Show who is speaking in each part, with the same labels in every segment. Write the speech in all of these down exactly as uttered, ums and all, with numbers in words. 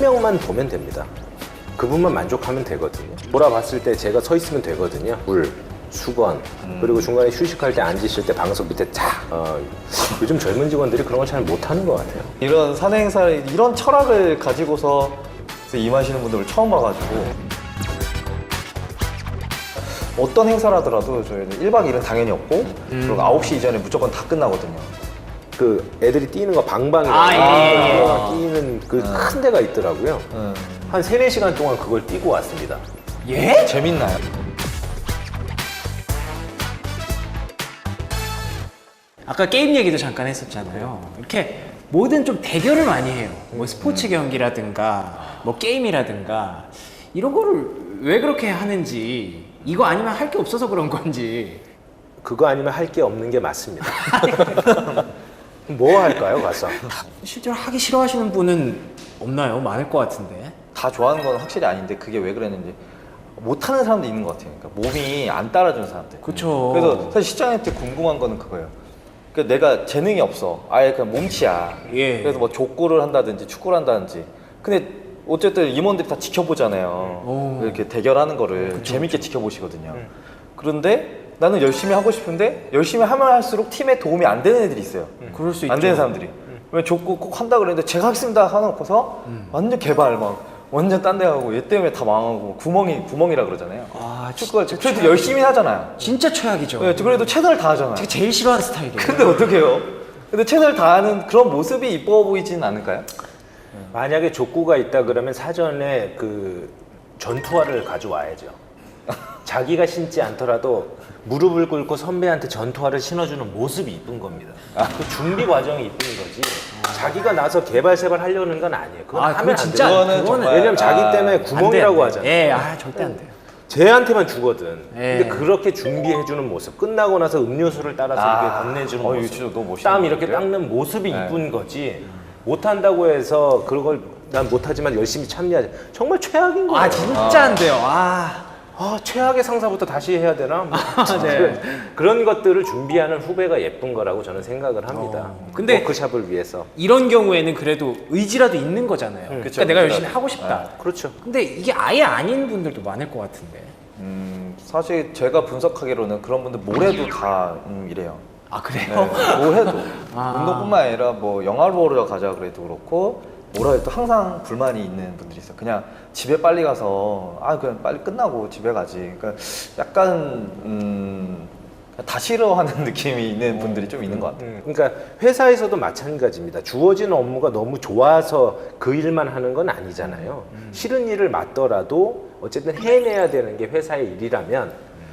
Speaker 1: 명만 보면 됩니다. 그분만 만족하면 되거든요. 돌아봤을 때 제가 서 있으면 되거든요. 물, 수건, 음. 그리고 중간에 휴식할 때 앉으실 때 방석 밑에 탁. 어, 요즘 젊은 직원들이 그런 걸 잘 못하는 것 같아요.
Speaker 2: 이런 사내 행사를 이런 철학을 가지고서 임하시는 분들을 처음 봐가지고 어떤 행사를 하더라도 저희는 일 박 이 일은 당연히 없고 음. 그리고 아홉 시 이전에 무조건 다 끝나거든요.
Speaker 1: 그 애들이 뛰는 거 방방이라고
Speaker 3: 아, 예, 예,
Speaker 1: 예. 뛰는 그 큰 데가 있더라고요.
Speaker 2: 음.
Speaker 1: 한 세네 시간 동안 그걸 뛰고 왔습니다.
Speaker 3: 예?
Speaker 2: 재밌나요?
Speaker 3: 아까 게임 얘기도 잠깐 했었잖아요. 이렇게 뭐든 좀 대결을 많이 해요. 뭐 스포츠 경기라든가 뭐 게임이라든가 이런 거를 왜 그렇게 하는지, 이거 아니면 할 게 없어서 그런 건지.
Speaker 1: 그거 아니면 할 게 없는 게 맞습니다. 뭐 할까요, 가서?
Speaker 3: 실제로 하기 싫어하시는 분은 없나요? 많을 것 같은데.
Speaker 2: 다 좋아하는 건 확실히 아닌데 그게 왜 그랬는지 못하는 사람도 있는 것 같아요. 그러니까 몸이 안 따라주는 사람들.
Speaker 3: 그렇죠.
Speaker 2: 그래서 사실 시장한테 궁금한 거는 그거예요. 그러니까 내가 재능이 없어. 아예 그냥 몸치야.
Speaker 3: 예.
Speaker 2: 그래서 뭐 족구를 한다든지 축구를 한다든지. 근데 어쨌든 임원들이 다 지켜보잖아요.
Speaker 3: 오.
Speaker 2: 이렇게 대결하는 거를
Speaker 3: 그쵸,
Speaker 2: 재밌게 지켜보시거든요. 그런데 나는 열심히 하고 싶은데 열심히 하면 할수록 팀에 도움이 안 되는 애들이 있어요.
Speaker 3: 그럴 수
Speaker 2: 안
Speaker 3: 있죠.
Speaker 2: 되는 사람들이. 왜 족구 꼭 한다 그랬는데 제가 하겠습니다 하놓고서
Speaker 3: 음.
Speaker 2: 완전 개발 막 완전 딴 데 가고 얘 때문에 다 망하고 구멍이 구멍이라 그러잖아요.
Speaker 3: 아,
Speaker 2: 축구가 그래도 열심히 하잖아요.
Speaker 3: 진짜 최악이죠.
Speaker 2: 네, 그래도 최선을 다하잖아요.
Speaker 3: 제가 제일 싫어하는 스타일이에요.
Speaker 2: 근데 어떡해요? 근데 최선을 다하는 그런 모습이 이뻐 보이진 않을까요?
Speaker 1: 만약에 족구가 있다 그러면 사전에 그 전투화를 가져와야죠. 자기가 신지 않더라도 무릎을 꿇고 선배한테 전투화를 신어주는 모습이 이쁜 겁니다. 그 준비 과정이 이쁜 거지. 자기가 나서 개발세발 하려는 건 아니에요. 그건
Speaker 3: 아,
Speaker 1: 하면
Speaker 3: 그건
Speaker 1: 안
Speaker 3: 진짜
Speaker 1: 돼요.
Speaker 2: 그거는
Speaker 3: 그거는
Speaker 2: 정말-
Speaker 1: 왜냐면 자기
Speaker 2: 아,
Speaker 1: 때문에
Speaker 3: 안
Speaker 1: 구멍이라고
Speaker 3: 돼, 안
Speaker 1: 하잖아요.
Speaker 3: 돼. 예, 아, 절대 안 돼요.
Speaker 1: 쟤한테만 주거든.
Speaker 3: 예.
Speaker 1: 근데 그렇게 준비해주는 모습, 끝나고 나서 음료수를 따라서
Speaker 2: 아.
Speaker 1: 이렇게 건네주는
Speaker 2: 어, 이거
Speaker 1: 모습,
Speaker 2: 진짜 너무 멋있는
Speaker 1: 땀 이렇게
Speaker 2: 건데요?
Speaker 1: 닦는 모습이
Speaker 2: 네.
Speaker 1: 이쁜 거지. 못한다고 해서 그걸 난 못하지만 열심히 참여하지. 정말 최악인 거예요.
Speaker 3: 아, 진짜 안 돼요. 아.
Speaker 1: 아, 최악의 상사부터 다시 해야 되나? 뭐.
Speaker 3: 네.
Speaker 1: 그런 것들을 준비하는 후배가 예쁜 거라고 저는 생각을 합니다.
Speaker 3: 어. 근데
Speaker 1: 워크샵을 위해서.
Speaker 3: 이런 경우에는 그래도 의지라도 있는 거잖아요. 그러니까
Speaker 2: 그쵸,
Speaker 3: 내가
Speaker 2: 의지라도.
Speaker 3: 열심히 하고 싶다.
Speaker 1: 그렇죠.
Speaker 3: 근데 이게 아예 아닌 분들도 많을 것 같은데.
Speaker 2: 음, 사실 제가 분석하기로는 그런 분들 뭘 해도 다 음, 이래요.
Speaker 3: 아,
Speaker 2: 네,
Speaker 3: 그래요?
Speaker 2: 뭘 해도
Speaker 3: 아.
Speaker 2: 운동뿐만 아니라 뭐 영화를 보러 가자 그래도 그렇고 뭐라 해도 항상 불만이 있는 분들이 있어요. 그냥 집에 빨리 가서 아 그냥 빨리 끝나고 집에 가지. 그러니까 약간 음, 다 싫어하는 느낌이 있는 분들이 좀 있는 것 같아요.
Speaker 1: 음, 그러니까 회사에서도 마찬가지입니다. 주어진 업무가 너무 좋아서 그 일만 하는 건 아니잖아요. 싫은 일을 맡더라도 어쨌든 해내야 되는 게 회사의 일이라면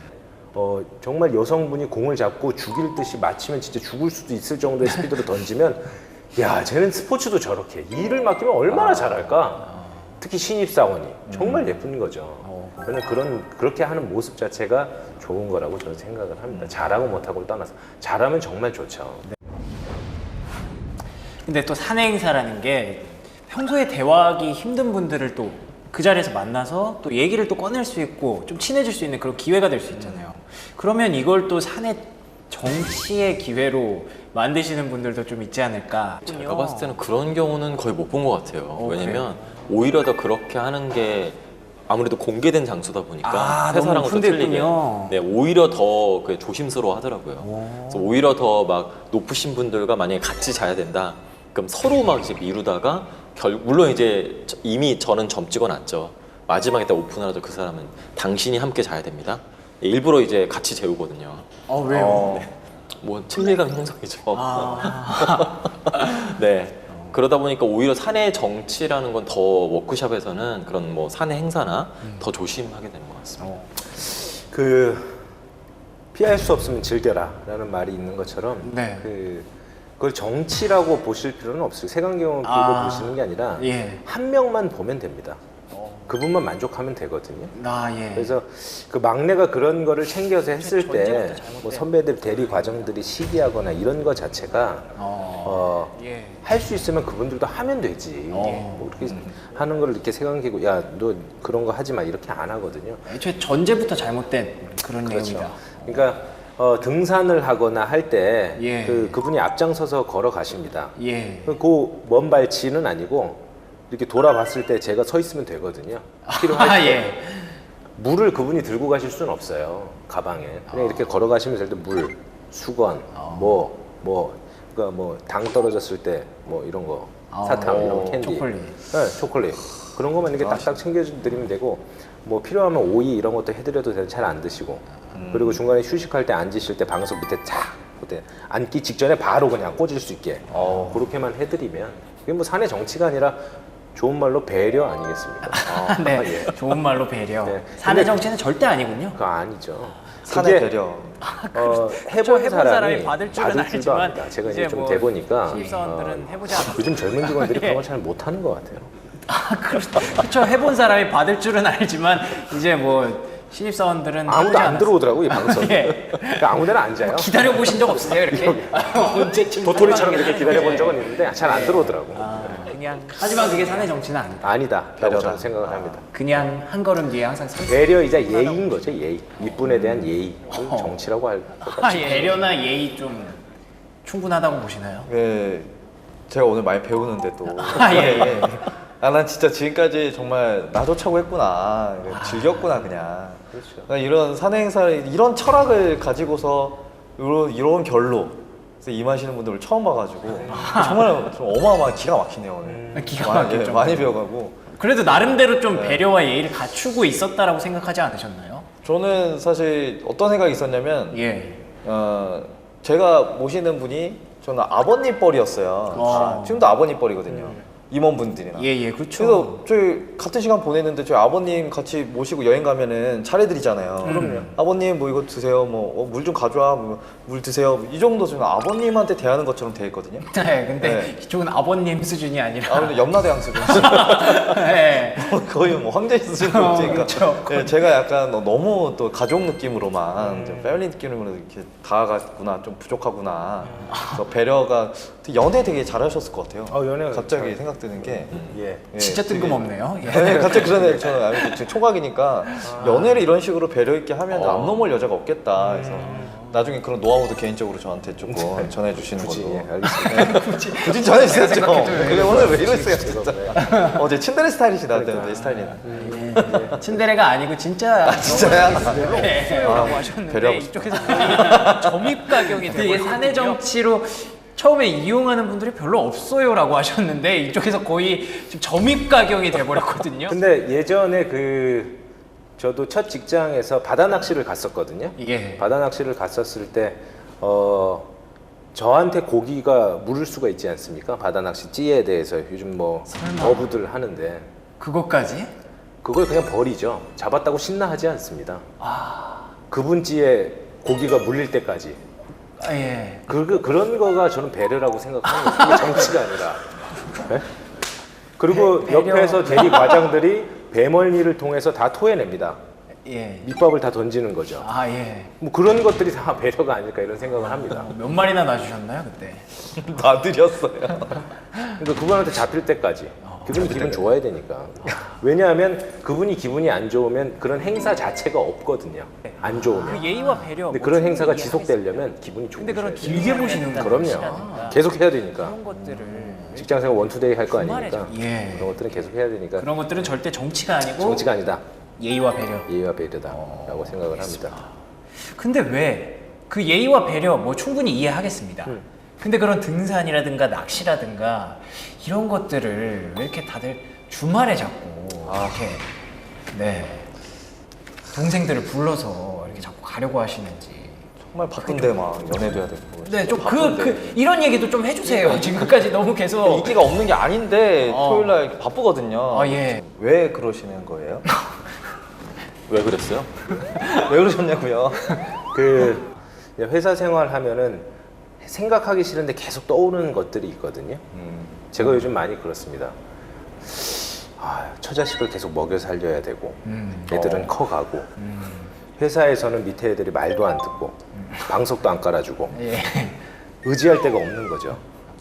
Speaker 1: 어, 정말 여성분이 공을 잡고 죽일 듯이 맞히면 진짜 죽을 수도 있을 정도의 스피드로 던지면 야, 쟤는 스포츠도 저렇게 해. 일을 맡기면 얼마나 잘할까? 특히 신입사원이 정말 예쁜 거죠. 저는 그런 그렇게 하는 모습 자체가 좋은 거라고 저는 생각을 합니다. 잘하고 못하고를 떠나서 잘하면 정말 좋죠.
Speaker 3: 근데 또 사내 행사라는 게 평소에 대화하기 힘든 분들을 또 그 자리에서 만나서 또 얘기를 또 꺼낼 수 있고 좀 친해질 수 있는 그런 기회가 될 수 있잖아요. 그러면 이걸 또 사내 정치의 기회로 만드시는 분들도 좀 있지 않을까.
Speaker 4: 제가 봤을 때는 그런 경우는 거의 못 본 것 같아요.
Speaker 3: 어,
Speaker 4: 왜냐면 오히려 더 그렇게 하는 게 아무래도 공개된 장소다 보니까
Speaker 3: 아,
Speaker 4: 회사랑은
Speaker 3: 너무
Speaker 4: 또 틀리게
Speaker 3: 오픈됐군요.
Speaker 4: 네, 오히려 더 그 조심스러워 하더라고요. 그래서 오히려 더 막 높으신 분들과 만약에 같이 자야 된다. 그럼 서로 막 이제 미루다가 결 물론 이제 이미 저는 점 찍어놨죠. 마지막에 딱 오픈하라도 그 사람은 당신이 함께 자야 됩니다. 일부러 이제 같이 재우거든요.
Speaker 3: 어, 왜요?
Speaker 2: 어,
Speaker 4: 뭐 친밀감 형성이죠.
Speaker 3: 아.
Speaker 4: 네. 그러다 보니까 오히려 사내 정치라는 건 더 워크숍에서는 그런 뭐 사내 행사나 더 조심하게 되는 것 같습니다.
Speaker 3: 어.
Speaker 1: 그 피할 수 없으면 즐겨라라는 말이 있는 것처럼
Speaker 3: 네.
Speaker 1: 그 그걸 정치라고 보실 필요는 없어요. 색안경을 끼고
Speaker 3: 아.
Speaker 1: 보시는 게 아니라
Speaker 3: 예.
Speaker 1: 한 명만 보면 됩니다. 그분만 만족하면 되거든요.
Speaker 3: 아, 예.
Speaker 1: 그래서 그 막내가 그런 거를 챙겨서 했을 때
Speaker 3: 전제부터 잘못된.
Speaker 1: 뭐 선배들 대리 과정들이 시기하거나 이런 거 자체가
Speaker 3: 어.
Speaker 1: 어,
Speaker 3: 예.
Speaker 1: 할 수 있으면 그분들도 하면 되지.
Speaker 3: 어.
Speaker 1: 뭐 그렇게 하는 걸 이렇게 색안기고 야 너 그런 거 하지 마 이렇게 안 하거든요.
Speaker 3: 애초에 전제부터 잘못된 그런
Speaker 1: 그렇죠.
Speaker 3: 내용이다.
Speaker 1: 그러니까 어, 등산을 하거나 할 때
Speaker 3: 예.
Speaker 1: 그 그분이 앞장서서 걸어가십니다.
Speaker 3: 예.
Speaker 1: 그 먼 발치는 아니고 이렇게 돌아봤을 때 제가 서 있으면 되거든요. 필요할
Speaker 3: 아,
Speaker 1: 때.
Speaker 3: 예.
Speaker 1: 물을 그분이 들고 가실 수는 없어요. 가방에. 그냥 이렇게 걸어가시면 될 때 물, 수건, 뭐, 뭐, 그러니까 뭐 당 떨어졌을 때 뭐 이런 거, 사탕,
Speaker 3: 어,
Speaker 1: 이런 캔디,
Speaker 3: 초콜릿.
Speaker 1: 네, 초콜릿 그런 것만 이렇게 딱딱 챙겨드리면 되고, 뭐 필요하면 오이 이런 것도 해드려도 되는 잘 안 드시고, 그리고 중간에 휴식할 때 앉으실 때 방석 밑에 탁, 그때 앉기 직전에 바로 그냥 꽂을 수 있게
Speaker 2: 어.
Speaker 1: 그렇게만 해드리면 그게 뭐 사내 정치가 아니라 좋은 말로 배려 아니겠습니까? 아,
Speaker 3: 네,
Speaker 1: 예.
Speaker 3: 좋은 말로 배려.
Speaker 1: 네.
Speaker 3: 사내
Speaker 1: 근데-
Speaker 3: 정치는 절대 아니군요.
Speaker 1: 그거 아니죠.
Speaker 2: 사내
Speaker 1: 그게,
Speaker 2: 배려.
Speaker 1: 어,
Speaker 3: 그렇죠.
Speaker 1: 해본
Speaker 3: 해본
Speaker 1: 사람이,
Speaker 3: 사람이 받을 줄은
Speaker 1: 줄도
Speaker 3: 알지만
Speaker 1: 압니다. 제가 이제
Speaker 3: 이제
Speaker 1: 좀
Speaker 3: 뭐
Speaker 1: 돼보니까
Speaker 3: 신입사원들은 해보지 않았어요.
Speaker 1: 요즘 젊은 직원들이 그런 걸 잘 못하는 것 같아요.
Speaker 3: 그렇죠. 해본 사람이 받을 줄은 알지만 이제 뭐 신입사원들은
Speaker 1: 아무도
Speaker 3: 해보지
Speaker 1: 안
Speaker 3: 않았어요.
Speaker 1: 들어오더라고 이 방송.
Speaker 3: 예.
Speaker 1: 그러니까 아무데나 앉아요.
Speaker 3: 기다려 보신 적 없으세요 이렇게? 언제쯤
Speaker 1: 도토리처럼 이렇게
Speaker 3: 예.
Speaker 1: 기다려 본 적은 있는데 잘 안 들어오더라고.
Speaker 3: 아, 그냥 하지만 그게 사내 정치는 아니다.
Speaker 1: 아니다. 라고
Speaker 2: 배려다.
Speaker 1: 저는 생각을 합니다.
Speaker 3: 그냥 한 걸음 뒤에 항상 서 있어요.
Speaker 1: 배려이자 예의인 거죠. 예의. 윗분에 대한 예의. 그걸 정치라고 할 것 같아요.
Speaker 3: 아, 예. 배려나 예의 좀 충분하다고 보시나요?
Speaker 2: 예, 제가 오늘 많이 배우는데 또.
Speaker 3: 아, 예, 예.
Speaker 2: 아, 난 진짜 지금까지 정말 나도 차고 했구나. 즐겼구나, 그냥.
Speaker 1: 그렇죠.
Speaker 2: 난 이런 사내 행사를, 이런 철학을 가지고서 이런, 이런 결로 그래서 임하시는 분들을 처음 봐가지고 정말 좀 어마어마한 기가 막히네요, 오늘.
Speaker 3: 음. 기가
Speaker 2: 많이,
Speaker 3: 막혔죠.
Speaker 2: 예, 많이 배워가고.
Speaker 3: 그래도 나름대로 좀 배려와 예의를 갖추고 있었다라고 생각하지 않으셨나요?
Speaker 2: 저는 사실 어떤 생각이 있었냐면,
Speaker 3: 예.
Speaker 2: 어, 제가 모시는 분이 저는 아버님 뻘이었어요.
Speaker 3: 어.
Speaker 2: 지금도 아버님 뻘이거든요. 임원분들이나.
Speaker 3: 예, 예, 그렇죠.
Speaker 2: 그래서 저희 같은 시간 보냈는데 저희 아버님 같이 모시고 여행 가면은 차례드리잖아요.
Speaker 3: 그럼요.
Speaker 2: 아버님 뭐 이거 드세요, 뭐 물 좀 가져와, 뭐 물 드세요. 이 정도 저는 아버님한테 대하는 것처럼 돼 있거든요.
Speaker 3: 네, 근데
Speaker 2: 네.
Speaker 3: 이쪽은 아버님 수준이 아니라.
Speaker 2: 아 근데 염라대왕 수준.
Speaker 3: 네.
Speaker 2: 거의 뭐 황제 수준
Speaker 3: 어,
Speaker 2: 그러니까
Speaker 3: 그쵸.
Speaker 2: 예, 제가 약간 너무 또 가족 느낌으로만
Speaker 3: 음.
Speaker 2: 좀 패밀리 느낌으로 이렇게 다가갔구나, 좀 부족하구나. 그래서 배려가 연애 되게 잘하셨을 것 같아요.
Speaker 1: 어, 연애
Speaker 2: 갑자기
Speaker 1: 잘-
Speaker 2: 생각드는 게
Speaker 1: 예.
Speaker 2: 예,
Speaker 3: 진짜
Speaker 2: 되게-
Speaker 3: 뜬금없네요. 예.
Speaker 2: 네, 갑자기 그런 애 저는 아무튼 지금 총각이니까 연애를 이런 식으로 배려 있게 하면
Speaker 1: 어.
Speaker 2: 안 넘어올 여자가 없겠다. 그래서 나중에 그런 노하우도 개인적으로 저한테 조금 전해 주시는
Speaker 1: 굳이
Speaker 2: 걸로.
Speaker 1: 예, 알겠습니다.
Speaker 2: 굳이 굳이 전해 주셨죠. 그게 오늘 왜 이러세요, 진짜.
Speaker 1: 네.
Speaker 2: 어제 친데레 스타일이시다, 내 스타일이.
Speaker 3: 예. 친데레가 아니고 진짜.
Speaker 2: 아, 진짜야?
Speaker 3: 네.
Speaker 2: 아,
Speaker 3: 라고 하셨는데
Speaker 2: 배려하고 싶다.
Speaker 3: 이쪽에서 거의 점입 가격이 되게 사내 정치로 처음에 이용하는 분들이 별로 없어요라고 하셨는데 이쪽에서 거의 지금 점입 가격이 돼버렸거든요.
Speaker 1: 근데 예전에 그 저도 첫 직장에서 바다 낚시를 갔었거든요.
Speaker 3: 예.
Speaker 1: 바다 낚시를 갔었을 때 어, 저한테 고기가 물을 수가 있지 않습니까? 바다 낚시 찌에 대해서 요즘 뭐
Speaker 3: 설마.
Speaker 1: 어부들 하는데
Speaker 3: 그것까지?
Speaker 1: 그걸 그냥 버리죠. 잡았다고 신나하지 않습니다. 그분 찌에 고기가 물릴 때까지.
Speaker 3: 아, 예.
Speaker 1: 그, 그, 그런 거가 저는 배려라고 생각하는 거예요. 그게 정치가 아니라. 네? 그리고
Speaker 3: 배- 배려.
Speaker 1: 옆에서 대리 과장들이 배멀미를 통해서 다 토해냅니다.
Speaker 3: 예.
Speaker 1: 밑밥을 다 던지는 거죠.
Speaker 3: 아, 예.
Speaker 1: 뭐 그런 것들이 다 배려가 아닐까 이런 생각을 합니다.
Speaker 3: 몇 마리나 놔주셨나요 그때?
Speaker 2: 놔드렸어요.
Speaker 1: 그러니까 그분한테 잡힐 때까지.
Speaker 3: 어,
Speaker 1: 그분이 기분 좋아야 되니까. 왜냐하면 그분이 기분이 안 좋으면 그런 행사 자체가 없거든요. 안 좋으면.
Speaker 3: 그 예의와 배려.
Speaker 1: 근데
Speaker 3: 뭐
Speaker 1: 그런
Speaker 3: 충분히
Speaker 1: 행사가
Speaker 3: 이해하겠습니다.
Speaker 1: 지속되려면 기분이 좋으셔야
Speaker 3: 근데 그런
Speaker 1: 돼요.
Speaker 3: 길게 보시는
Speaker 1: 그럼요. 계속 해야 되니까.
Speaker 3: 그런 것들을
Speaker 1: 직장생활 원투데이 할 거
Speaker 3: 주말에
Speaker 1: 아니니까.
Speaker 3: 좀- 예.
Speaker 1: 그런 것들은 계속 해야 되니까.
Speaker 3: 그런 것들은 절대 정치가 아니고
Speaker 1: 정치가 아니다.
Speaker 3: 예의와 배려.
Speaker 1: 예의와 배려다라고 생각을 합니다.
Speaker 3: 근데 왜 그 예의와 배려 뭐 충분히 이해하겠습니다.
Speaker 1: 음.
Speaker 3: 근데 그런 등산이라든가 낚시라든가 이런 것들을 왜 이렇게 다들 주말에 자꾸
Speaker 1: 아.
Speaker 3: 이렇게 네 동생들을 불러서 이렇게 자꾸 가려고 하시는지.
Speaker 2: 정말 바쁜데 막 연애도 해야 되고.
Speaker 3: 네, 좀 그
Speaker 2: 바쁜데.
Speaker 3: 그 이런 얘기도 좀 해주세요. 지금까지 너무 계속.
Speaker 2: 인기가 없는 게 아닌데
Speaker 3: 어.
Speaker 2: 토요일 날 바쁘거든요.
Speaker 3: 아, 예.
Speaker 2: 왜 그러시는 거예요?
Speaker 4: 왜 그랬어요?
Speaker 2: 왜 그러셨냐고요?
Speaker 1: 그 회사 생활 하면은 생각하기 싫은데 계속 떠오르는 것들이 있거든요.
Speaker 2: 음.
Speaker 1: 제가 요즘 많이 그렇습니다. 아, 처자식을 계속 먹여 살려야 되고
Speaker 3: 음.
Speaker 1: 애들은
Speaker 2: 어.
Speaker 1: 커가고
Speaker 3: 음.
Speaker 1: 회사에서는 밑에 애들이 말도 안 듣고 방석도 안 깔아주고
Speaker 3: 예.
Speaker 1: 의지할 데가 없는 거죠.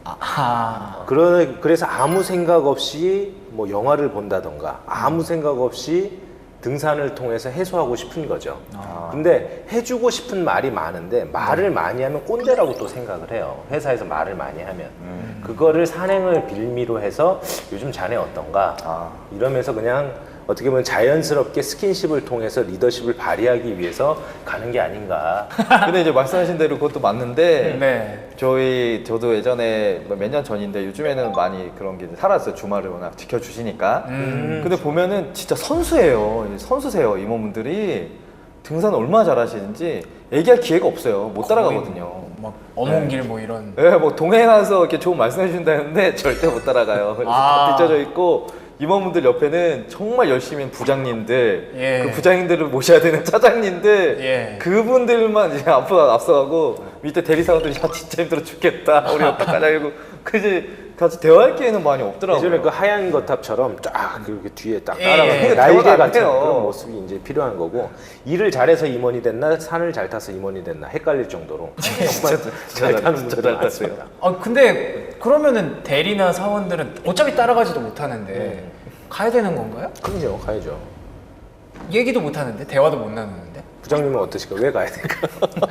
Speaker 3: 아.
Speaker 1: 그러, 그래서 아무 생각 없이 뭐 영화를 본다던가 아무 생각 없이 등산을 통해서 해소하고 싶은 거죠.
Speaker 2: 아.
Speaker 1: 근데 해주고 싶은 말이 많은데 말을 많이 하면 꼰대라고 또 생각을 해요. 회사에서 말을 많이 하면.
Speaker 2: 음.
Speaker 1: 그거를 산행을 빌미로 해서 요즘 자네 어떤가?
Speaker 2: 아.
Speaker 1: 이러면서 그냥 어떻게 보면 자연스럽게 스킨십을 통해서 리더십을 발휘하기 위해서 가는 게 아닌가.
Speaker 2: 근데 이제 말씀하신 대로 그것도 맞는데
Speaker 3: 네.
Speaker 2: 저희 저도 예전에 몇 년 전인데 요즘에는 많이 그런 게 이제 살았어요. 주말을 워낙 지켜주시니까.
Speaker 3: 음.
Speaker 2: 근데 보면은 진짜 선수예요. 선수세요. 임원분들이 등산 얼마나 잘하시는지 얘기할 기회가 없어요. 못 따라가거든요.
Speaker 3: 막 어몽길 뭐 이런.
Speaker 2: 네, 뭐 동행하서 이렇게 좋은 말씀해 주신다는데 절대 못 따라가요. 그래서
Speaker 3: 아.
Speaker 2: 다 빚어져 있고 임원분들 옆에는 정말 열심히 한 부장님들,
Speaker 3: 예.
Speaker 2: 그 부장님들을 모셔야 되는 차장님들,
Speaker 3: 예.
Speaker 2: 그분들만 이제 앞서 앞서가고 밑에 대리사원들이 야 진짜 힘들어 죽겠다. 우리 어떡하냐고 그지 같이 대화할 기회는 많이 없더라고요.
Speaker 1: 예전에 그 하얀 거탑처럼 쫙 그렇게 뒤에 딱
Speaker 3: 예,
Speaker 1: 따라가는
Speaker 3: 예.
Speaker 1: 날개
Speaker 2: 대화가 안
Speaker 1: 같은
Speaker 2: 돼요.
Speaker 1: 그런 모습이 이제 필요한 거고 일을 잘해서 임원이 됐나 산을 잘 타서 임원이 됐나 헷갈릴 정도로 정말 잘 타는
Speaker 2: 진짜
Speaker 1: 분들은
Speaker 2: 잘
Speaker 1: 많습니다.
Speaker 3: 아 근데 그러면은 대리나 사원들은 어차피 따라가지도 못하는데 가야 되는 건가요?
Speaker 1: 그럼요, 가야죠.
Speaker 3: 얘기도 못하는데 대화도 못 나누는데.
Speaker 1: 부장님은 어떠실까? 왜 가야 될까?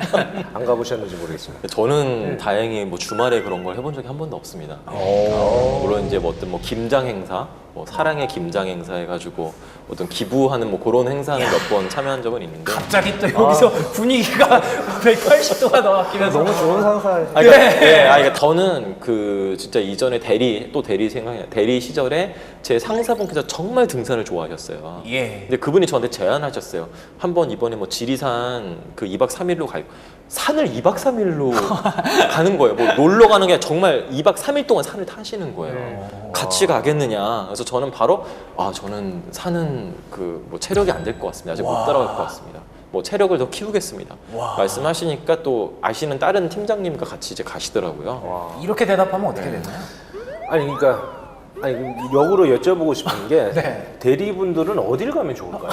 Speaker 1: 안 가보셨는지 모르겠습니다.
Speaker 4: 저는 다행히 뭐 주말에 그런 걸 해본 적이 한 번도 없습니다.
Speaker 1: 오.
Speaker 4: 물론 이제 뭐 어떤 뭐 김장 행사, 뭐 사랑의 김장 행사 해가지고 어떤 기부하는 뭐 그런 행사는 몇 번 참여한 적은 있는데.
Speaker 3: 갑자기 또 여기서 분위기가 백팔십 도가 더 바뀌면서
Speaker 2: 너무 좋은 상사.
Speaker 4: 아, 그러니까, 예, 아, 그러니까 저는 그 진짜 이전에 대리 또 대리 생각이 대리 시절에 제 상사분께서 정말 등산을 좋아하셨어요.
Speaker 3: 예.
Speaker 4: 근데 그분이 저한테 제안하셨어요. 한번 이번에 뭐 지리산 그 이 박 삼 일로 갈 산을 이 박 삼 일로 가는 거예요. 뭐 놀러 가는 게 아니라 정말 이 박 삼 일 동안 산을 타시는 거예요. 같이 가겠느냐. 그래서 저는 바로 아 저는 산은 그 뭐 체력이 안 될 것 같습니다. 아직 못 따라갈 것 같습니다. 뭐 체력을 더 키우겠습니다.
Speaker 3: 와.
Speaker 4: 말씀하시니까 또 아시는 다른 팀장님과 같이 이제 가시더라고요.
Speaker 3: 이렇게 대답하면 어떻게 되나요?
Speaker 1: 아니 그러니까 아니 역으로 여쭤보고 싶은 게
Speaker 3: 네.
Speaker 1: 대리분들은 어딜 가면 좋을까요?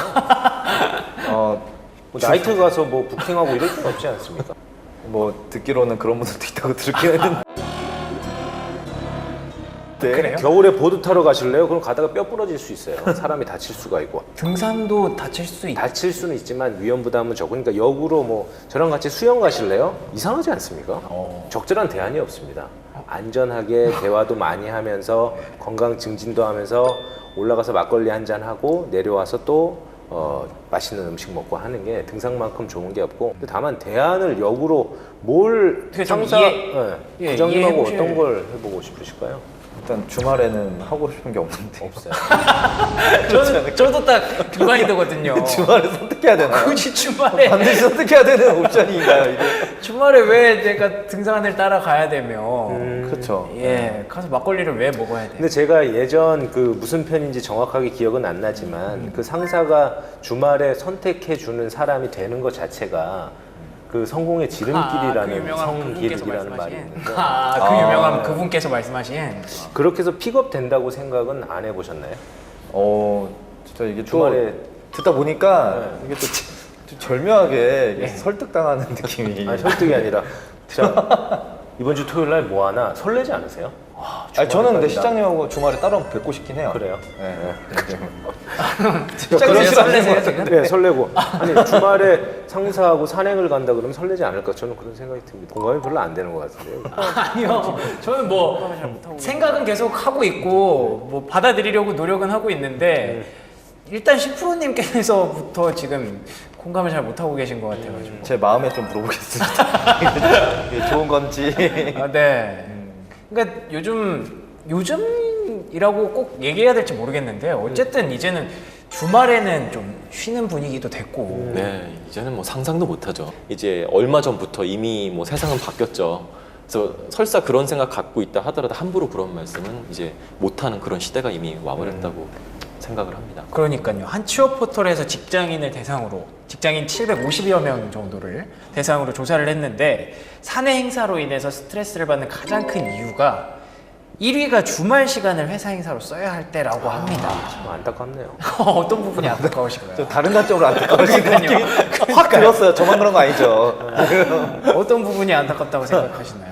Speaker 2: 어,
Speaker 1: 뭐 나이트 가서 뭐 부킹하고 이럴 필요 없지 않습니까?
Speaker 2: 뭐 듣기로는 그런 분들도 있다고 들었긴 했는데. 네.
Speaker 3: 그래요?
Speaker 1: 겨울에 보드 타러 가실래요? 그럼 가다가 뼈 부러질 수 있어요. 사람이 다칠 수가 있고.
Speaker 3: 등산도 다칠 수 있다.
Speaker 1: 다칠 수는 있지만 위험 부담은 적으니까 역으로 뭐 저랑 같이 수영 가실래요? 이상하지 않습니까?
Speaker 3: 어.
Speaker 1: 적절한 대안이 없습니다. 안전하게 대화도 많이 하면서 건강 증진도 하면서 올라가서 막걸리 한잔 하고 내려와서 또 어, 맛있는 음식 먹고 하는 게 등산만큼 좋은 게 없고 다만 대안을 역으로 뭘
Speaker 3: 그게 좀
Speaker 1: 상사
Speaker 3: 이해-
Speaker 1: 예,
Speaker 3: 예,
Speaker 1: 부장님하고
Speaker 3: 이해해보실-
Speaker 1: 어떤 걸 해보고 싶으실까요?
Speaker 2: 일단 주말에는 하고 싶은 게 없는데.
Speaker 1: 없어요.
Speaker 3: 저는 저도 딱 그 마인드거든요.
Speaker 2: 주말에 선택해야 되나요?
Speaker 3: 굳이 주말에
Speaker 2: 반드시 선택해야 되는 옵션인가요 이게?
Speaker 3: 주말에 왜 내가 등산을 따라가야 되며
Speaker 2: 그렇죠.
Speaker 3: 예 가서 막걸리를 왜 먹어야 돼?
Speaker 1: 근데 제가 예전 그 무슨 편인지 정확하게 기억은 안 나지만 그 상사가 주말에 선택해 주는 사람이 되는 것 자체가 그 성공의 지름길이라는
Speaker 3: 그 유명한 그분께서
Speaker 1: 성길이라는 말이
Speaker 3: 말씀하신
Speaker 1: 있는데
Speaker 3: 아, 그
Speaker 2: 아.
Speaker 3: 유명한 그분께서 말씀하신
Speaker 1: 그렇게 해서 픽업 된다고 생각은 안 해보셨나요?
Speaker 2: 어 진짜 이게
Speaker 1: 주말에
Speaker 2: 또 듣다 보니까 이게 또 좀 절묘하게 이게 설득당하는 느낌이.
Speaker 1: 아니 설득이 아니라 자 이번 주 토요일 날 뭐 하나 설레지 않으세요?
Speaker 2: 아니, 저는 근데
Speaker 1: 주말까지
Speaker 2: 시장님하고 주말에 따로 뵙고 싶긴 해요.
Speaker 1: 그래요?
Speaker 2: 네.
Speaker 3: 시장님 설레세요 지금?
Speaker 1: 네 설레고 아니 주말에 상사하고 산행을 간다 그러면 설레지 않을까 저는 그런 생각이 듭니다. 공감이 별로 안 되는 것 같은데요.
Speaker 3: 아니요. 저는 뭐 생각은 계속 하고 있고 뭐 받아들이려고 노력은 하고 있는데 일단 십 프로님께서부터 지금 공감을 잘 못하고 계신 것 같아가지고.
Speaker 2: 제 마음에 좀 물어보겠습니다. 이게 좋은 건지.
Speaker 3: 아, 네. 그러니까 요즘 요즘이라고 꼭 얘기해야 될지 모르겠는데 어쨌든 이제는 주말에는 좀 쉬는 분위기도 됐고.
Speaker 4: 네, 이제는 뭐 상상도 못하죠. 이제 얼마 전부터 이미 뭐 세상은 바뀌었죠. 그래서 설사 그런 생각 갖고 있다 하더라도 함부로 그런 말씀은 이제 못하는 그런 시대가 이미 와버렸다고 생각을 합니다.
Speaker 3: 그러니까요. 한 취업 포털에서 직장인을 대상으로 직장인 칠백오십여 명 정도를 대상으로 조사를 했는데 사내 행사로 인해서 스트레스를 받는 가장 큰 이유가 일 위가 주말 시간을 회사 행사로 써야 할 때라고 합니다.
Speaker 1: 참 안타깝네요.
Speaker 3: 어떤 부분이 안타까우신가요?
Speaker 2: 좀 다른 관점으로 안타까우신 느낌이
Speaker 3: 그러니까요.
Speaker 2: 확 들었어요. 저만 그런 거 아니죠.
Speaker 3: 어떤 부분이 안타깝다고 생각하시나요?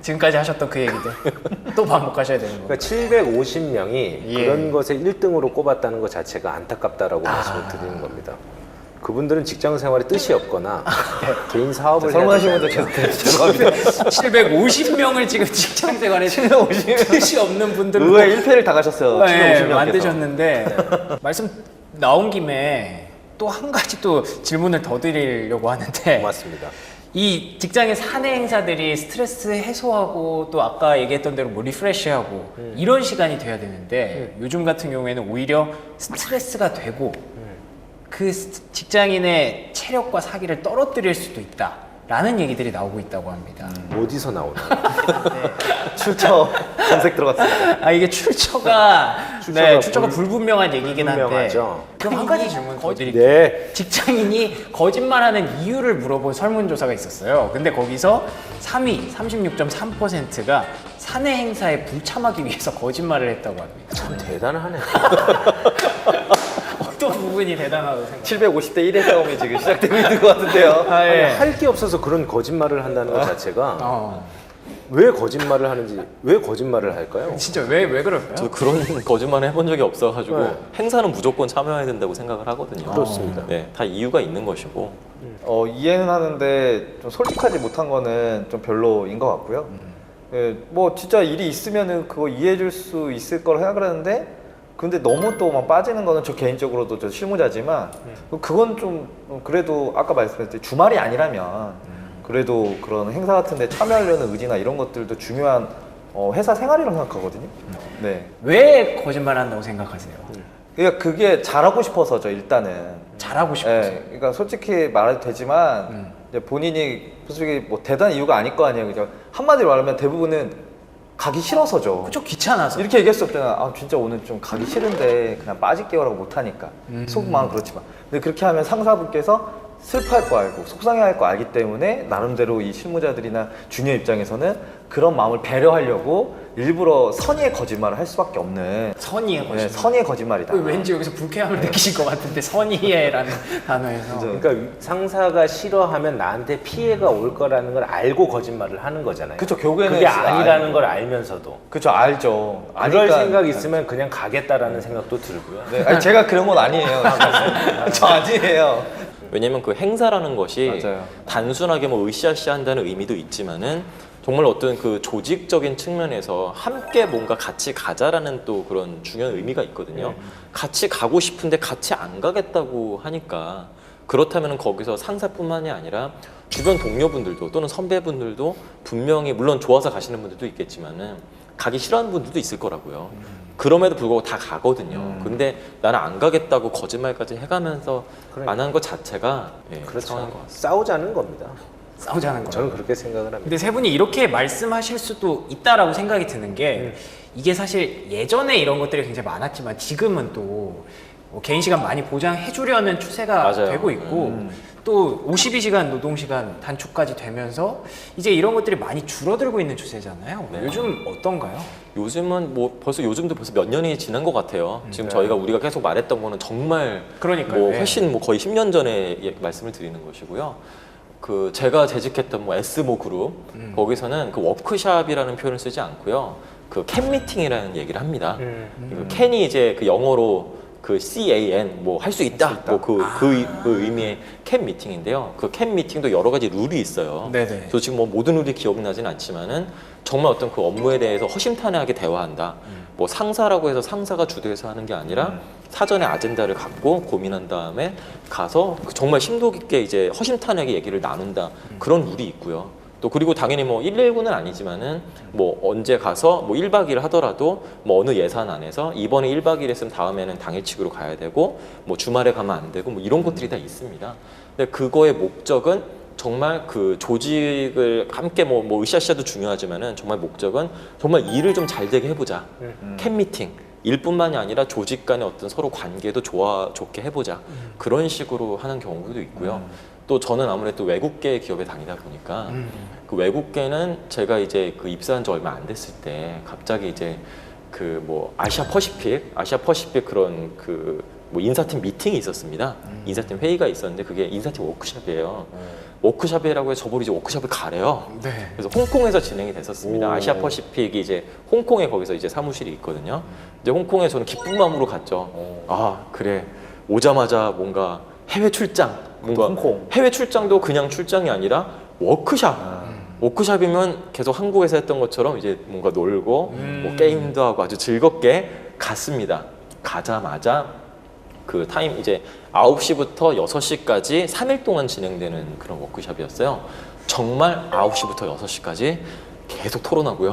Speaker 3: 지금까지 하셨던 그 얘기들 또 반복하셔야 되는 거예요.
Speaker 1: 그러니까 칠백오십 명이
Speaker 3: 예.
Speaker 1: 그런 것에 일 등으로 꼽았다는 것 자체가 안타깝다라고
Speaker 3: 아.
Speaker 1: 말씀을 드리는 겁니다. 그분들은 직장 생활에 뜻이 없거나 개인 사업을
Speaker 2: 설문하신
Speaker 1: 해야
Speaker 2: 분들
Speaker 1: 되지
Speaker 2: 계속
Speaker 1: 않을까.
Speaker 2: 죄송합니다.
Speaker 3: 칠백오십 명을 지금 직장 생활에
Speaker 2: 칠백오십 명.
Speaker 3: 뜻이 없는 분들로
Speaker 2: 의외의 일 패를 당하셨어요.
Speaker 3: 네,
Speaker 2: 칠백오십 명께서.
Speaker 3: 만드셨는데 말씀 나온 김에 또 한 가지 또 질문을 더 드리려고 하는데
Speaker 1: 고맙습니다.
Speaker 3: 이 직장의 사내 행사들이 스트레스 해소하고 또 아까 얘기했던 대로 뭐 리프레시하고
Speaker 1: 음.
Speaker 3: 이런 시간이 돼야 되는데 요즘 같은 경우에는 오히려 스트레스가 되고
Speaker 1: 음.
Speaker 3: 그 스- 직장인의 체력과 사기를 떨어뜨릴 수도 있다라는 얘기들이 나오고 있다고 합니다.
Speaker 1: 어디서 나오나요?
Speaker 2: 출처 검색 들어갔습니다.
Speaker 3: 아 이게 출처가
Speaker 1: 출처가
Speaker 3: 네, 출처가
Speaker 1: 불-
Speaker 3: 불분명한 얘기긴 한데
Speaker 1: 불분명하죠.
Speaker 3: 그럼 한 가지 질문 더 드릴게요.
Speaker 1: 네.
Speaker 3: 직장인이 거짓말하는 이유를 물어본 설문조사가 있었어요. 근데 거기서 삼 위 삼십육 점 삼 퍼센트가 사내 행사에 불참하기 위해서 거짓말을 했다고 합니다.
Speaker 1: 참 대단하네.
Speaker 3: 어떤 부분이 대단하다고 생각해요?
Speaker 2: 칠백오십 대 일의 싸움이 지금 시작되고 있는 것 같은데요.
Speaker 3: 아, 예.
Speaker 1: 할 게 없어서 그런 거짓말을 한다는 것 자체가
Speaker 3: 어,
Speaker 1: 왜 거짓말을 하는지, 왜 거짓말을 할까요?
Speaker 3: 진짜 왜, 왜 그럴까요?
Speaker 4: 저 그런 거짓말을 해본 적이 없어가지고
Speaker 1: 네.
Speaker 4: 행사는 무조건 참여해야 된다고 생각을 하거든요.
Speaker 1: 그렇습니다.
Speaker 4: 네, 다 이유가 있는 것이고.
Speaker 2: 어, 이해는 하는데 좀 솔직하지 못한 거는 좀 별로인 것 같고요. 예, 뭐 진짜 일이 있으면은 그거 이해해줄 수 있을 거라 생각을 하는데 근데 너무 또 막 빠지는 거는 저 개인적으로도 저 실무자지만 그건 좀 그래도 아까 말씀드렸듯이 주말이 아니라면 그래도 그런 행사 같은데 참여하려는 의지나 이런 것들도 중요한 어, 회사 생활이라고 생각하거든요. 네.
Speaker 3: 왜 거짓말 한다고 생각하세요?
Speaker 2: 그러니까 그게 잘하고 싶어서죠 일단은.
Speaker 3: 잘하고 싶어서.
Speaker 2: 예, 그러니까 솔직히 말해도 되지만
Speaker 3: 음.
Speaker 2: 이제 본인이 솔직히 뭐 대단한 이유가 아닐 거 아니에요. 그죠? 한마디로 말하면 대부분은 가기 싫어서죠.
Speaker 3: 그쵸, 귀찮아서.
Speaker 2: 이렇게 얘기했을 때는 아 진짜 오늘 좀 가기 싫은데 그냥 빠질게요라고 못하니까
Speaker 3: 음.
Speaker 2: 속마음 그렇지만 근데 그렇게 하면 상사분께서 슬퍼할 거 알고 속상해할 거 알기 때문에 나름대로 이 실무자들이나 주니어 입장에서는 그런 마음을 배려하려고 일부러 선의의 거짓말을 할 수밖에 없는
Speaker 3: 선의의
Speaker 2: 네,
Speaker 3: 거짓말.
Speaker 2: 선의의 거짓말이다.
Speaker 3: 왠지 여기서 불쾌함을 느끼실 것 같은데 선의해라는 단어에서.
Speaker 2: 그죠.
Speaker 1: 그러니까 상사가 싫어하면 나한테 피해가 올 거라는 걸 알고 거짓말을 하는 거잖아요.
Speaker 2: 그쵸, 결국에는
Speaker 1: 그게
Speaker 2: 진짜
Speaker 1: 아니라는
Speaker 2: 알고.
Speaker 1: 걸 알면서도.
Speaker 2: 그쵸 알죠.
Speaker 1: 그럴
Speaker 2: 아니까-
Speaker 1: 생각 있으면 그냥 가겠다라는 생각도 들고요.
Speaker 2: 네, 아니, 제가 그런 건 아니에요. 저 아니에요.
Speaker 4: 왜냐면 그 행사라는 것이
Speaker 2: 맞아요.
Speaker 4: 단순하게 뭐 으쌰으쌰 한다는 의미도 있지만은 정말 어떤 그 조직적인 측면에서 함께 뭔가 같이 가자라는 또 그런 중요한 의미가 있거든요. 같이 가고 싶은데 같이 안 가겠다고 하니까 그렇다면 거기서 상사뿐만이 아니라 주변 동료분들도 또는 선배분들도 분명히 물론 좋아서 가시는 분들도 있겠지만은 가기 싫어하는 분들도 있을 거라고요. 그럼에도 불구하고 다 가거든요.
Speaker 2: 음.
Speaker 4: 근데 나는 안 가겠다고 거짓말까지 해가면서
Speaker 1: 그러니까.
Speaker 4: 안 하는 것 자체가 예,
Speaker 1: 그렇죠.
Speaker 4: 상황인 것 같습니다.
Speaker 1: 싸우자는 겁니다.
Speaker 3: 싸우자는 거예요.
Speaker 1: 저는 그렇게 생각을 합니다.
Speaker 3: 근데 세 분이 이렇게 말씀하실 수도 있다라고 생각이 드는 게 이게 사실 예전에 이런 것들이 굉장히 많았지만 지금은 또뭐 개인 시간 많이 보장해 주려는 추세가
Speaker 4: 맞아요.
Speaker 3: 되고 있고
Speaker 2: 음.
Speaker 3: 또 오십이 시간 노동 시간 단축까지 되면서 이제 이런 것들이 많이 줄어들고 있는 추세잖아요.
Speaker 4: 네.
Speaker 3: 요즘 어떤가요?
Speaker 4: 요즘은 뭐 벌써 요즘도 벌써 몇 년이 지난 것 같아요. 지금
Speaker 1: 네.
Speaker 4: 저희가 우리가 계속 말했던 거는 정말
Speaker 3: 그러니까요.
Speaker 4: 뭐
Speaker 3: 예.
Speaker 4: 훨씬 뭐 거의 십 년 전에 예- 말씀을 드리는 것이고요. 그 제가 재직했던 뭐 에스모 그룹
Speaker 3: 음.
Speaker 4: 거기서는 그 워크샵이라는 표현을 쓰지 않고요. 그 캔 미팅이라는 얘기를 합니다.
Speaker 1: 음.
Speaker 4: 그 캔이 이제 그 영어로 그 씨 에이 엔 뭐 할 수 있다 뭐 그 그 그 의미의 캔 미팅인데요. 그 캔 미팅도 여러 가지 룰이 있어요.
Speaker 3: 네네.
Speaker 4: 저 지금 뭐 모든 룰이 기억나진 않지만은 정말 어떤 그 업무에 대해서 허심탄회하게 대화한다. 뭐 상사라고 해서 상사가 주도해서 하는 게 아니라
Speaker 2: 음.
Speaker 4: 사전에 아젠다를 갖고 고민한 다음에 가서 그 정말 심도 깊게 이제 허심탄회하게 얘기를 나눈다. 그런 룰이 있고요. 또 그리고 당연히 뭐 일일구는 아니지만은 뭐 언제 가서 뭐 일 박 이 일 하더라도 뭐 어느 예산 안에서 이번에 일 박 이 일 했으면 다음에는 당일치기로 가야 되고 뭐 주말에 가면 안 되고 뭐 이런 것들이 다 있습니다. 근데 그거의 목적은 정말 그 조직을 함께 뭐, 뭐 으쌰으쌰도 중요하지만은 정말 목적은 정말 일을 좀 잘 되게 해보자.
Speaker 2: 음.
Speaker 4: 캔 미팅. 일뿐만이 아니라 조직 간의 어떤 서로 관계도 좋아 좋게 해보자. 그런 식으로 하는 경우도 있고요. 또 저는 아무래도 외국계 기업에 다니다 보니까
Speaker 3: 음.
Speaker 4: 그 외국계는 제가 이제 그 입사한 지 얼마 안 됐을 때 갑자기 이제 그 뭐 아시아 퍼시픽, 아시아 퍼시픽 그런 그 뭐 인사팀 미팅이 있었습니다. 인사팀 회의가 있었는데 그게 인사팀 워크숍이에요. 워크숍이라고 해서 저보고 이제 워크숍을 가래요.
Speaker 3: 네.
Speaker 4: 그래서 홍콩에서 진행이 됐었습니다.
Speaker 1: 오.
Speaker 4: 아시아 퍼시픽이 이제 홍콩에 거기서 이제 사무실이 있거든요. 이제 홍콩에 저는 기쁜 마음으로 갔죠. 아 그래 오자마자 뭔가 해외 출장, 뭔가
Speaker 2: 홍콩.
Speaker 4: 해외 출장도 그냥 출장이 아니라 워크숍. 워크숍이면 계속 한국에서 했던 것처럼 이제 뭔가 놀고 뭐 게임도 하고 아주 즐겁게 갔습니다. 가자마자 그 타임 이제 아홉 시부터 여섯 시까지 삼 일 동안 진행되는 그런 워크숍이었어요. 정말 아홉 시부터 여섯 시까지 계속 토론하고요.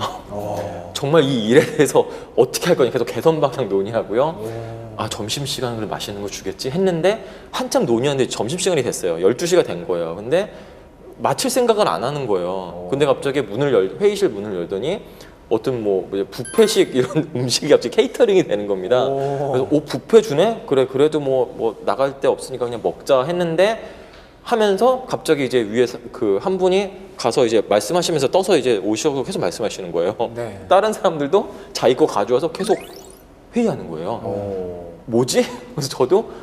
Speaker 4: 정말 이 일에 대해서 어떻게 할 거냐 계속 개선 방향 논의하고요. 아 점심시간에 그래 맛있는 거 주겠지 했는데 한참 논의하는데 점심시간이 됐어요. 열두 시가 된 거예요. 근데 마칠 생각을 안 하는 거예요. 근데 갑자기 문을 열 회의실 문을 열더니 어떤 뭐 뷔페식 이런 음식이 갑자기 케이터링이 되는 겁니다. 그래서 오 뷔페 주네? 그래 그래도 뭐 뭐 나갈 데 없으니까 그냥 먹자 했는데 하면서 갑자기 이제 위에 그 한 분이 가서 이제 말씀하시면서 떠서 이제 오셔서 계속 말씀하시는 거예요.
Speaker 3: 네.
Speaker 4: 다른 사람들도 자기 거 가져와서 계속 회의하는 거예요.
Speaker 2: 오.
Speaker 4: 뭐지? 그래서 저도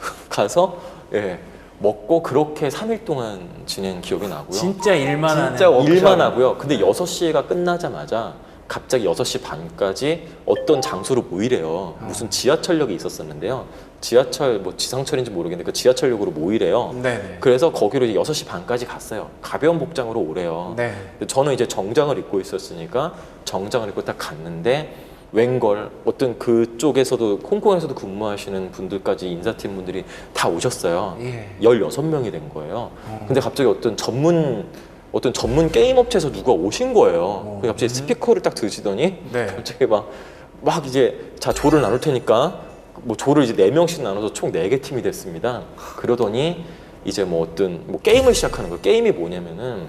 Speaker 4: 가서 예. 먹고 그렇게 삼 일 동안 지낸 기억이 나고요.
Speaker 3: 진짜 일만 하는.
Speaker 2: 진짜 워크숍.
Speaker 4: 일만 하고요. 근데 여섯 시가 끝나자마자 갑자기 여섯 시 반까지 어떤 장소로 모이래요. 무슨 지하철역이 있었었는데요. 지하철 뭐 지상철인지 모르겠는데 그 지하철역으로 모이래요.
Speaker 3: 네네.
Speaker 4: 그래서 거기로 이제 여섯 시 반까지 갔어요. 가벼운 복장으로 오래요.
Speaker 3: 네.
Speaker 4: 근데 저는 이제 정장을 입고 있었으니까 정장을 입고 딱 갔는데 웬걸 어떤 그쪽에서도 홍콩에서도 근무하시는 분들까지 인사팀 분들이 다 오셨어요.
Speaker 3: 예.
Speaker 4: 열여섯 명이 된 거예요. 근데 갑자기 어떤 전문 어떤 전문 게임 업체에서 누가 오신 거예요. 그래서 갑자기 스피커를 딱 드시더니
Speaker 3: 네.
Speaker 4: 갑자기 막, 막 이제 자 조를 나눌 테니까 뭐 조를 이제 네 명씩 나눠서 총 네 개 팀이 됐습니다. 그러더니 이제 뭐 어떤 뭐 게임을 시작하는 거예요. 게임이 뭐냐면은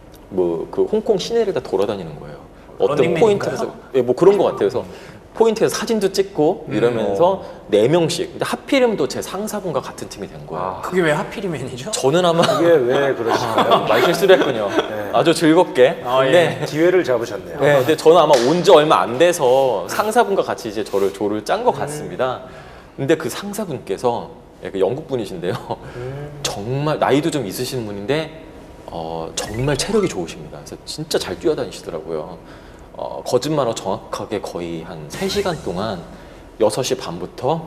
Speaker 4: 뭐 그 홍콩 시내를 다 돌아다니는 거예요. 어떤
Speaker 3: 런닝맨인가요?
Speaker 4: 포인트에서 예, 뭐 그런 것 같아요. 그래서 포인트에서 사진도 찍고 이러면서 네 명씩. 근데 하필이면 또 제 상사분과 같은 팀이 된 거예요.
Speaker 3: 그게 왜 하필이면이죠?
Speaker 4: 저는 아마
Speaker 1: 그게 왜 그러실까요?
Speaker 4: 말 실수를 했군요. 아주 즐겁게.
Speaker 3: 아,
Speaker 4: 근데,
Speaker 1: 기회를 잡으셨네요.
Speaker 4: 네, 근데 저는 아마 온 지 얼마 안 돼서 상사분과 같이 이제 저를 조를 짠 것 같습니다. 근데 그 상사분께서 예, 그 영국 분이신데요. 정말 나이도 좀 있으신 분인데 어, 정말 체력이 좋으십니다. 그래서 진짜 잘 뛰어다니시더라고요. 어, 거짓말하고 정확하게 거의 한 세 시간 동안 여섯 시 반부터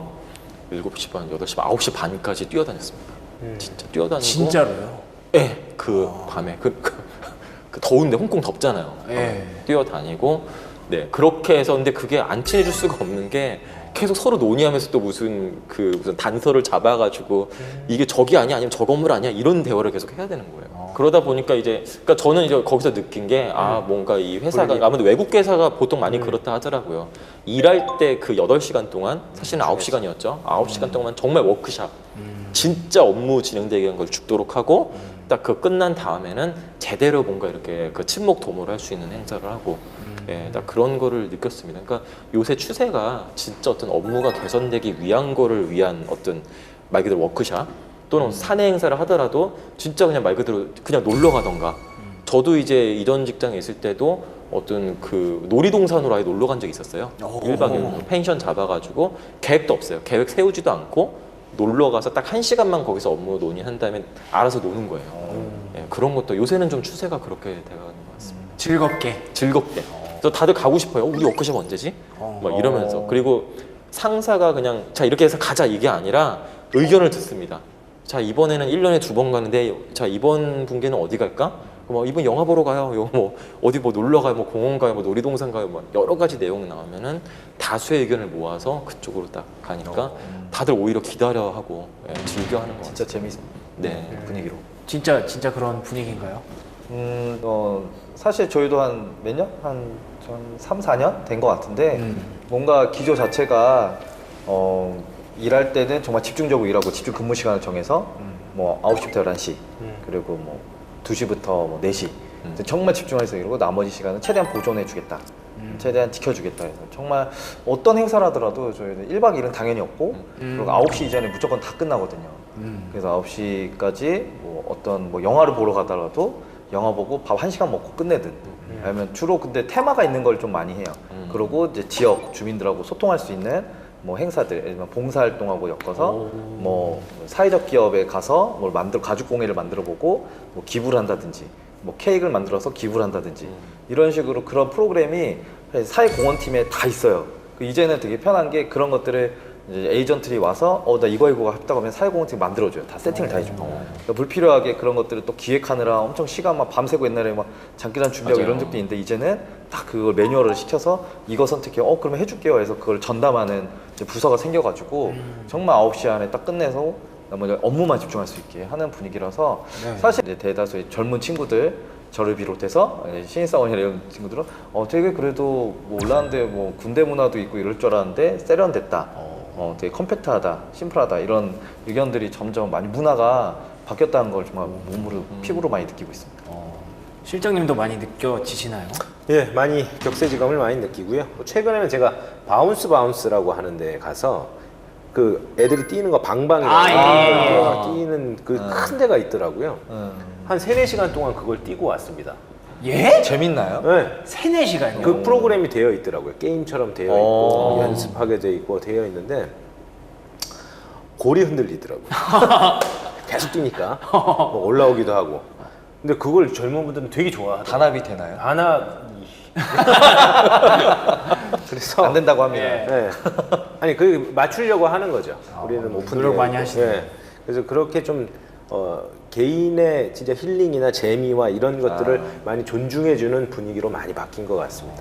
Speaker 4: 일곱 시 반, 여덟 시 반, 아홉 시 반까지 뛰어다녔습니다. 진짜 뛰어다니고.
Speaker 3: 진짜로요?
Speaker 4: 예, 그 밤에 그, 그, 그 더운데 홍콩 덥잖아요.
Speaker 3: 예.
Speaker 4: 어, 뛰어다니고 네 그렇게 해서 근데 그게 안 친해질 수가 없는 게 계속 서로 논의하면서 또 무슨 그 무슨 단서를 잡아가지고 이게 저기 아니야 아니면 저 건물 아니야 이런 대화를 계속 해야 되는 거예요. 그러다 보니까 이제 그러니까 저는 이제 거기서 느낀 게 아 뭔가 이 회사가 아무래도 외국 회사가 보통 많이 그렇다 하더라고요. 일할 때 그 여덟 시간 동안 사실은 아홉 시간이었죠. 아홉 시간 동안 정말 워크숍 진짜 업무 진행되게 한 걸 죽도록 하고 딱 그 끝난 다음에는 제대로 뭔가 이렇게 그 친목 도모를 할 수 있는 행사를 하고 예, 딱 그런 거를 느꼈습니다. 그러니까 요새 추세가 진짜 어떤 업무가 개선되기 위한 거를 위한 어떤 말 그대로 워크숍 또는 사내 행사를 하더라도 진짜 그냥 말 그대로 그냥 놀러 가던가 저도 이제 이전 직장에 있을 때도 어떤 그 놀이동산으로 아예 놀러 간 적이 있었어요. 일 박 이 일 펜션 잡아가지고 계획도 없어요. 계획 세우지도 않고 놀러 가서 딱 한 시간만 거기서 업무 논의한 다음에 알아서 노는 거예요. 예, 그런 것도 요새는 좀 추세가 그렇게 돼가는 것 같습니다.
Speaker 3: 즐겁게.
Speaker 4: 즐겁게. 그래서 다들 가고 싶어요. 어, 우리 워크숍 언제지? 막 이러면서. 그리고 상사가 그냥 자 이렇게 해서 가자 이게 아니라 의견을 듣습니다. 자 이번에는 일 년에 두 번 가는데 자 이번 분기는 어디 갈까? 뭐 이번 영화 보러 가요. 요 뭐 어디 뭐 놀러 가요. 뭐 공원 가요. 뭐 놀이동산 가요. 뭐 여러 가지 내용 나오면은 다수의 의견을 모아서 그쪽으로 딱 가니까 다들 오히려 기다려하고 예, 즐겨하는 것 같아요.
Speaker 2: 진짜 재밌는
Speaker 4: 네.
Speaker 2: 분위기로.
Speaker 3: 진짜 진짜 그런 분위기인가요?
Speaker 2: 음, 어, 사실 저희도 한 몇 년? 한, 한 삼, 사 년 된 것 같은데 뭔가 기조 자체가 어, 일할 때는 정말 집중적으로 일하고 집중 근무 시간을 정해서 뭐 아홉 시부터 열한 시 그리고 뭐 두 시부터 뭐 네 시 정말 집중해서 이러고 나머지 시간은 최대한 보존해 주겠다. 최대한 지켜주겠다 해서 정말 어떤 행사를 하더라도 저희는 일 박 이 일은 당연히 없고 그리고 아홉 시 이전에 무조건 다 끝나거든요. 그래서 아홉 시까지 뭐 어떤 뭐 영화를 보러 가더라도 영화 보고 밥 한 시간 먹고 끝내든 아니면 주로 근데 테마가 있는 걸 좀 많이 해요. 그리고 이제 지역 주민들하고 소통할 수 있는 뭐 행사들, 예를 들면 봉사활동하고 엮어서 뭐 사회적 기업에 가서 뭘 만들 가죽공예를 만들어 보고 뭐 기부를 한다든지 뭐 케이크를 만들어서 기부를 한다든지 이런 식으로 그런 프로그램이 사회공헌팀에 다 있어요. 그 이제는 되게 편한 게 그런 것들을 이제 에이전트들이 와서 어 나 이거 이거 했다고 하면 사회공헌팀 만들어줘요. 다 세팅을 다 해주고. 그러니까 불필요하게 그런 것들을 또 기획하느라 엄청 시간 막 밤새고 옛날에 막 장기간 준비하고
Speaker 4: 맞아요.
Speaker 2: 이런 적도 있는데 이제는 딱 그걸 매뉴얼을 시켜서 이거 선택해. 어 그러면 해줄게요. 해서 그걸 전담하는 이제 부서가 생겨가지고 정말 아홉 시 안에 딱 끝내서 나머지 업무만 집중할 수 있게 하는 분위기라서
Speaker 3: 네.
Speaker 2: 사실 이제 대다수의 젊은 친구들 저를 비롯해서 신입사원이나 이런 친구들은 어 되게 그래도 뭐 올라왔는데 뭐 군대 문화도 있고 이럴 줄 알았는데 세련됐다. 어 되게 컴팩트하다, 심플하다 이런 의견들이 점점 많이 문화가 바뀌었다는 걸 정말 몸으로 피부로 많이 느끼고 있습니다.
Speaker 3: 실장님도 많이 느껴지시나요?
Speaker 1: 예, 많이 격세지감을 많이 느끼고요. 뭐 최근에는 제가 바운스 바운스라고 하는데 가서 그 애들이 뛰는 거 방방이라고
Speaker 3: 아, 예, 예,
Speaker 1: 아, 뛰는 그 큰 데가 있더라고요.
Speaker 2: 음.
Speaker 1: 한 세네 시간 동안 그걸 뛰고 왔습니다.
Speaker 3: 예?
Speaker 2: 재밌나요?
Speaker 1: 네.
Speaker 3: 세네 시간이요?
Speaker 1: 그 프로그램이 되어 있더라고요. 게임처럼 되어 있고
Speaker 2: 오.
Speaker 1: 연습하게 되어 있고 되어 있는데 골이 흔들리더라고요. 계속 뛰니까 뭐 올라오기도 하고. 근데 그걸 젊은 분들은 되게 좋아하더라고요.
Speaker 2: 단합이 되나요?
Speaker 1: 단합. 그래서
Speaker 2: 안 된다고 합니다.
Speaker 3: 예.
Speaker 1: 네. 아니 그 맞추려고 하는 거죠. 우리는 오픈
Speaker 3: 노력 많이 하시네요.
Speaker 1: 네. 그래서 그렇게 좀 어, 개인의 진짜 힐링이나 재미와 이런 것들을 많이 존중해주는 분위기로 많이 바뀐 것 같습니다.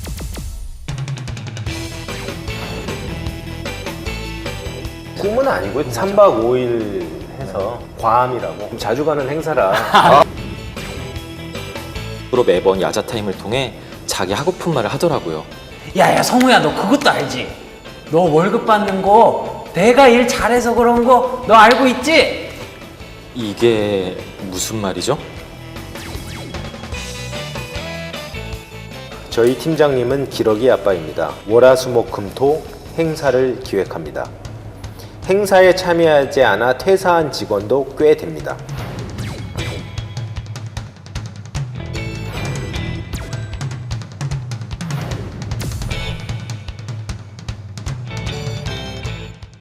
Speaker 1: 꿈은 아니고요. 삼 박 오 일 해서 괌이라고 자주 가는 행사라
Speaker 4: 앞으로 매번 야자 타임을 통해 자기 하고픈 말을 하더라고요.
Speaker 3: 야야 성우야 너 그것도 알지? 너 월급 받는 거 내가 일 잘해서 그런 거 너 알고 있지?
Speaker 4: 이게 무슨 말이죠?
Speaker 1: 저희 팀장님은 기러기 아빠입니다. 월화수목금토 행사를 기획합니다. 행사에 참여하지 않아 퇴사한 직원도 꽤 됩니다.